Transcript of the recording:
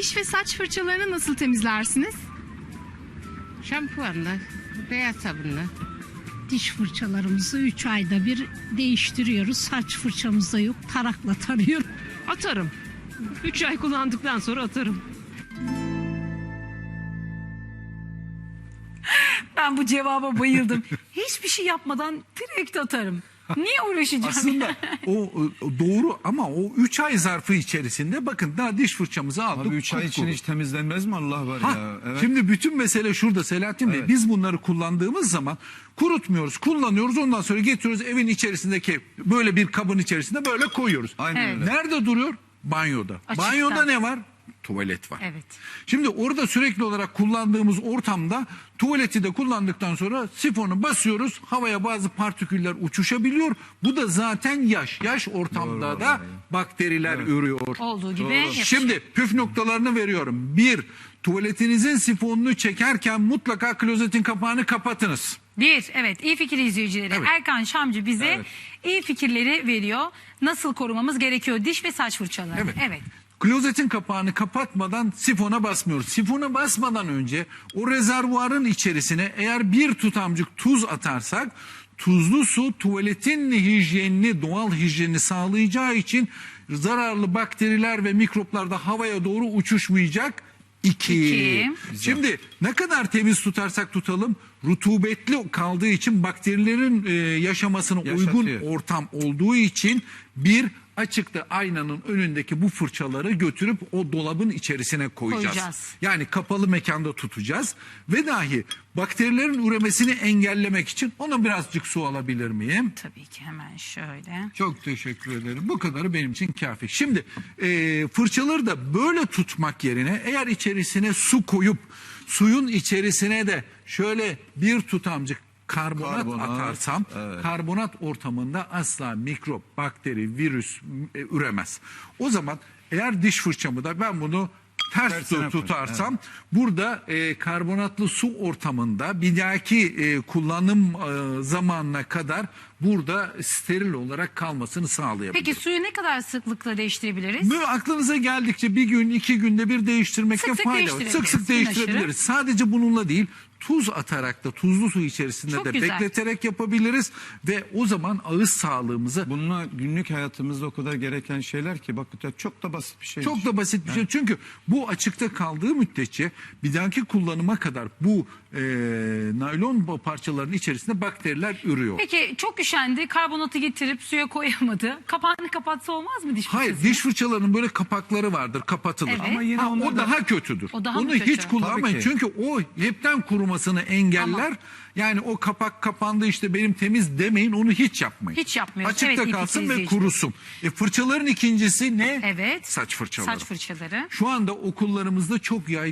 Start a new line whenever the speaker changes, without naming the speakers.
Diş ve saç fırçalarını nasıl temizlersiniz?
Şampuanla, beyaz sabunla.
Diş fırçalarımızı 3 ayda bir değiştiriyoruz. Saç fırçamız da yok. Tarakla tarıyorum.
Atarım. 3 ay kullandıktan sonra atarım.
Ben bu cevaba bayıldım. Hiçbir şey yapmadan direkt atarım. Niye uğraşacağım?
Aslında o doğru ama o 3 ay zarfı içerisinde bakın daha diş fırçamızı aldık.
Abi 3 ay için
kupkuru.
hiç temizlenmez mi Allah var ya? Evet.
Şimdi bütün mesele şurada Selahattin Bey.
Evet.
Biz bunları kullandığımız zaman kurutmuyoruz, kullanıyoruz. Ondan sonra getiriyoruz evin içerisindeki böyle bir kabın içerisinde böyle koyuyoruz.
Aynen
Evet.
öyle.
Nerede duruyor? Banyoda.
Açıkta.
Banyoda ne var? Tuvalet var.
Evet.
Şimdi orada sürekli olarak kullandığımız ortamda tuvaleti de kullandıktan sonra sifonu basıyoruz. Havaya bazı partiküller uçuşabiliyor. Bu da zaten yaş. Yaş ortamda
Doğru,
da
doğru.
bakteriler ürüyor.
Olduğu gibi yapışıyor.
Şimdi püf noktalarını veriyorum. 1. Tuvaletinizin sifonunu çekerken mutlaka klozetin kapağını kapatınız.
Evet, iyi fikir izleyicileri.
Evet.
Erkan Şamcı bize
Evet.
iyi fikirleri veriyor. Nasıl korumamız gerekiyor diş ve saç fırçalarını. Evet.
Klozetin kapağını kapatmadan sifona basmıyoruz. Sifona basmadan önce o rezervuarın içerisine eğer bir tutamcık tuz atarsak tuzlu su tuvaletin hijyenini, doğal hijyenini sağlayacağı için zararlı bakteriler ve mikroplar da havaya doğru uçuşmayacak. 2. Şimdi ne kadar temiz tutarsak tutalım rutubetli kaldığı için bakterilerin yaşamasına uygun
Yaşatıyor.
ortam olduğu için açıkta aynanın önündeki bu fırçaları götürüp o dolabın içerisine koyacağız. Yani kapalı mekanda tutacağız ve dahi bakterilerin üremesini engellemek için ona birazcık su alabilir miyim?
Tabii ki hemen şöyle.
Çok teşekkür ederim. Bu kadarı benim için kafi. Şimdi fırçaları da böyle tutmak yerine eğer içerisine su koyup suyun içerisine de şöyle bir tutamcık karbonat atarsam karbonat ortamında asla mikrop, bakteri, virüs üremez. O zaman eğer diş fırçamı da ben bunu ters tutarsam burada karbonatlı su ortamında bir dahaki kullanım zamanına kadar burada steril olarak kalmasını sağlayabilir.
Peki suyu ne kadar sıklıkla değiştirebiliriz?
Böyle aklınıza geldikçe bir gün 2 günde bir değiştirmekte
Sık sık
fayda var.
değiştirebiliriz.
Sık sık değiştirebiliriz. Sadece bununla değil tuz atarak da tuzlu su içerisinde
Çok
de
güzel.
bekleterek yapabiliriz ve o zaman ağız sağlığımızı
Bununla günlük hayatımızda o kadar gereken şeyler ki bak çok da basit bir şey.
çok da basit bir şey. Çünkü bu açıkta kaldığı müddetçe bir dahaki kullanıma kadar bu naylon parçaların içerisinde bakteriler ürüyor.
Peki çok üşendi, karbonatı getirip suya koyamadı. Kapağını kapatsa olmaz mı diş
Hayır,
fırçasının?
diş fırçalarının böyle kapakları vardır, kapatılır.
Evet.
Ama yine
O
onlar da
daha kötüdür.
O daha mı
Onu
kötü?
hiç kullanmayın.
Tabii ki.
Çünkü o hepten kurumasını engeller. Yani o kapak kapandı işte benim temiz demeyin, onu hiç yapmayın.
Hiç yapmıyoruz.
Açıkta
Evet, iyi
kalsın
fikir
ve
izleyiciler.
kurusun. Fırçaların ikincisi ne?
Evet.
Saç fırçaları.
Saç fırçaları.
Şu anda okullarımızda çok yaygın.